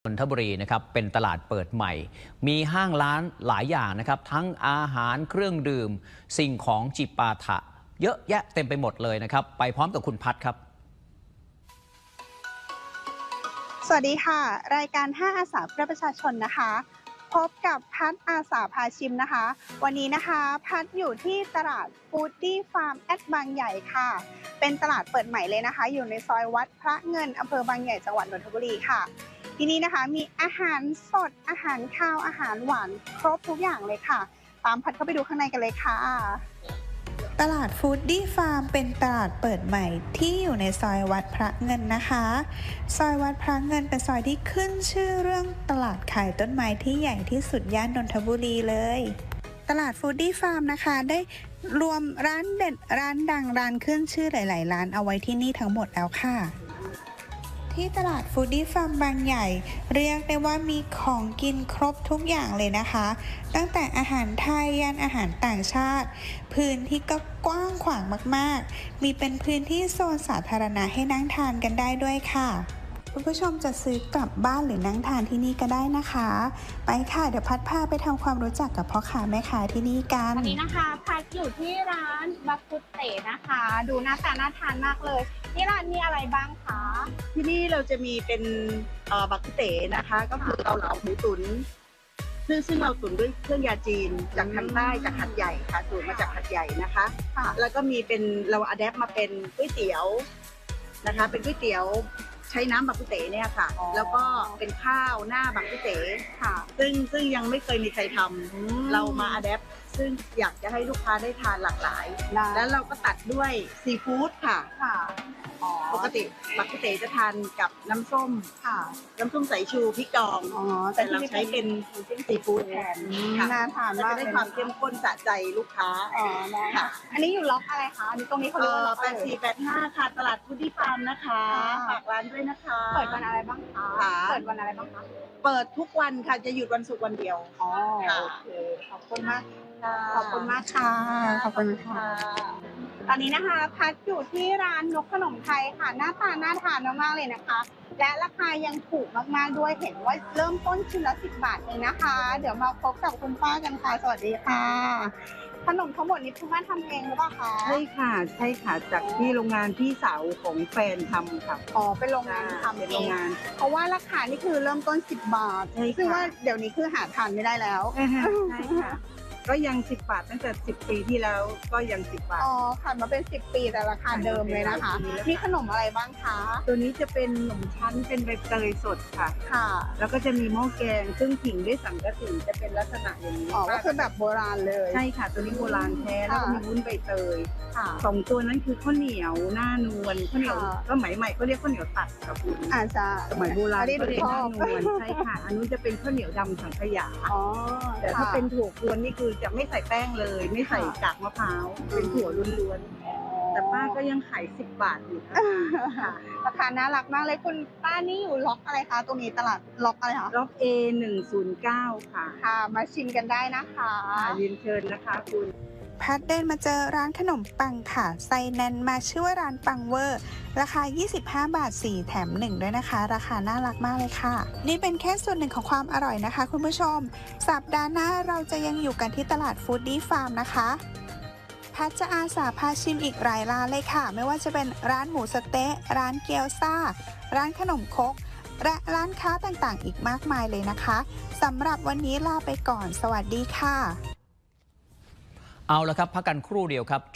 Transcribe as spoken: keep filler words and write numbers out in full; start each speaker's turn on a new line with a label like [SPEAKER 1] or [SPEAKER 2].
[SPEAKER 1] นนทบุรีนะครับเป็นตลาดเปิดใหม่มีห้างร้านหลายอย่างนะครับทั้งอาหารเครื่องดื่มสิ่งของจิปาถะเยอะแยะเต็มไปหมดเลยนะครับไปพร้อมกับคุณพัฒครับ
[SPEAKER 2] สวัสดีค่ะรายการห้าอาสาเพื่อประชาชนนะคะพบกับพัฒอาสาพาชิมนะคะวันนี้นะคะพัฒอยู่ที่ตลาดฟู้ดดี้ฟาร์มแอดบางใหญ่ค่ะเป็นตลาดเปิดใหม่เลยนะคะอยู่ในซอยวัดพระเงินอำเภอบางใหญ่จังหวัดนนทบุรีค่ะที่นี่นะคะมีอาหารสดอาหารข้าวอาหารหวานครบทุกอย่างเลยค่ะตามพัฒเข้าไปดูข้างในกันเลยค่ะตลาดฟู้ดดี้ฟาร์มเป็นตลาดเปิดใหม่ที่อยู่ในซอยวัดพระเงินนะคะซอยวัดพระเงินเป็นซอยที่ขึ้นชื่อเรื่องตลาดขายต้นไม้ที่ใหญ่ที่สุดย่านนนทบุรีเลยตลาดฟู้ดดี้ฟาร์มนะคะได้รวมร้านเด็ดร้านดังร้านขึ้นชื่อหลายๆร้านเอาไว้ที่นี่ทั้งหมดแล้วค่ะที่ตลาดฟู้ดดี้ฟาร์มบางใหญ่เรียกได้ว่ามีของกินครบทุกอย่างเลยนะคะตั้งแต่อาหารไทยยันอาหารต่างชาติพื้นที่ก็กว้างขวางมากๆมีเป็นพื้นที่โซนสาธารณะให้นั่งทานกันได้ด้วยค่ะคุณผู้ชมจะซื้อกลับบ้านหรือนั่งทานที่นี่ก็ได้นะคะไปค่ะเดี๋ยวพัดพาไปทำความรู้จักกับพ่อค้าแม่ค้าที่นี่กันวันนี้นะคะพัดอยู่ที่ร้านบักกุเต๋นะคะดูหน้าตาน่าทานมากเลยที่ร้านมีอะไรบ้างคะ
[SPEAKER 3] ที่นี่เราจะมีเป็นบักกุเต๋นะคะก็คือเกาเหลาหมูตุ๋นซึ่งซึ่งเราตุ๋นด้วยเครื่องยาจีนจากทางใต้จากหัดใหญ่ค่ะสูตรมาจากหัดใหญ่นะคะแล้วก็มีเป็นเราอะแดปมาเป็นก๋วยเตี๋ยวนะคะเป็นก๋วยเตี๋ยวใช้น้ำบักกุเต๋เนี่ยค่ะแล้วก็เป็นข้าวหน้าบักกุเต๋ค่ะซึ่งซึ่งยังไม่เคยมีใครทำเรามาอะแดปซึ่งอยากจะให้ลูกค้าได้ทานหลากหลายแล้วเราก็ตัดด้วยซีฟู้ดค่ะปกติบักกุเต๋จะทานกับน้ำส้มค่ะน้ำส้มสายชูพริกดองแต่เราใช้เป็นซีฟู้ดแทน
[SPEAKER 2] น่าทานมาก
[SPEAKER 3] จะได้ความเข้มข้นสะใจลูกค้า
[SPEAKER 2] อ๋อค่ะอันนี้อยู่ล็อกอะไรคะอันนี้ตรงนี้เขาเรียกว่าล็อก
[SPEAKER 3] แปดสี่แปดห้าค่ะตลาดฟู้ดดี้ฟาร์มนะคะฝากร้านด้วยนะคะ
[SPEAKER 2] เปิดวันอะไรบ้างคะเปิดวันอะไรบ้างคะ
[SPEAKER 3] เปิดทุกวันค่ะจะหยุดวันศุกร์วันเดียว
[SPEAKER 2] อ๋อโอเคขอบคุณมากขอบคุณมากค่ะขอบคุณค่ะตอนนี้นะคะพัดอยู่ที่ร้านนกขนมไทยค่ะหน้าตาน่าทานมากๆเลยนะคะและราคายังถูกมากๆด้วยเห็นว่าเริ่มต้นชิ้นละสิบบาทเองนะคะเดี๋ยวมาพบกับคุณป้ากันค่ะสวัสดีค่ะขนมทั้งหมดนี้คุณป้าทำเองหรือเปล่าคะ
[SPEAKER 3] ใช่ค่ะใช่ค่ะจากที่โรงงานพี่สาวของแฟนทำค่ะ
[SPEAKER 2] อ๋อเป็นโรงงานทำเองเพราะว่าราคานี่คือเริ่มต้นสิบบาทซึ่งว่าเดี๋ยวนี้คือหาทานไม่ได้แล้ว
[SPEAKER 3] ใช่ค่ะก็ยังสิบบาทตั้งแต่สิบปีที่แล้วก็ยังสิบบาท
[SPEAKER 2] อ๋อผ่านมาเป็นสิบปีแต่ราคาเดิมเลยนะคะมีขนมอะไรบ้างคะ
[SPEAKER 3] ตัวนี้จะเป็นขนมชั้นเป็นใบเตยสดค่ะ
[SPEAKER 2] ค่ะ
[SPEAKER 3] แล้วก็จะมีหม้อแกงซึ่งผิงด้วยสังกะสีจะเป็นลักษณะอย่างนี้
[SPEAKER 2] อ๋อก็คือแบบโบราณเลย
[SPEAKER 3] ใช่ค่ะตัวนี้โบราณแท้แล้วก็มีวุ้นใบเตย
[SPEAKER 2] ค่ะ
[SPEAKER 3] สองตัวนั้นคือข้าวเหนียวหน้านวลข้าวเหนียวก็หมายใหม่เขาเรียกข้าวเหนียวตัดกับคุณ
[SPEAKER 2] อาจจะ
[SPEAKER 3] สมัยโบราณ
[SPEAKER 2] เขาเรียกหน้
[SPEAKER 3] านวลใช่ค่ะอันนู้นจะเป็นข้าวเหนียวดำสังขยา
[SPEAKER 2] อ๋อ
[SPEAKER 3] แต่ถ้าเป็นถั่วกวนนี่คือจะไม่ใส่แป้งเลยไม่ใส่กากมะพร้าวเป็นถั่วล้วนๆแต่ป้าก็ยังขายสิบบาทอยู่ค่ะ
[SPEAKER 2] ราคาน่ารักมากเลยคุณป้านี่อยู่ล็อกอะไรคะตรงนี้ตลาดล็อกอะไรคะ
[SPEAKER 3] ล็อก เอ หนึ่งศูนย์เก้า ค่ะ
[SPEAKER 2] ค่ะมาชิมกันได้นะคะ
[SPEAKER 3] เรียนเชิญนะคะคุณ
[SPEAKER 2] พัดเดินมาเจอร้านขนมปังค่ะไส้แน่นมาชื่อว่าร้านปังเวอร์ราคายี่สิบห้าบาทสี่แถมหนึ่งด้วยนะคะราคาน่ารักมากเลยค่ะนี่เป็นแค่ส่วนหนึ่งของความอร่อยนะคะคุณผู้ชมสัปดาห์หน้าเราจะยังอยู่กันที่ตลาดฟู้ดดี้ฟาร์มนะคะพัดจะอาสาพาชิมอีกหลายร้านเลยค่ะไม่ว่าจะเป็นร้านหมูสะเต๊ะร้านเกี๊ยวซ่าร้านขนมครกและร้านค้าต่างๆอีกมากมายเลยนะคะสำหรับวันนี้ลาไปก่อนสวัสดีค่ะ
[SPEAKER 1] เอาละครับพักกันครู่เดียวครับ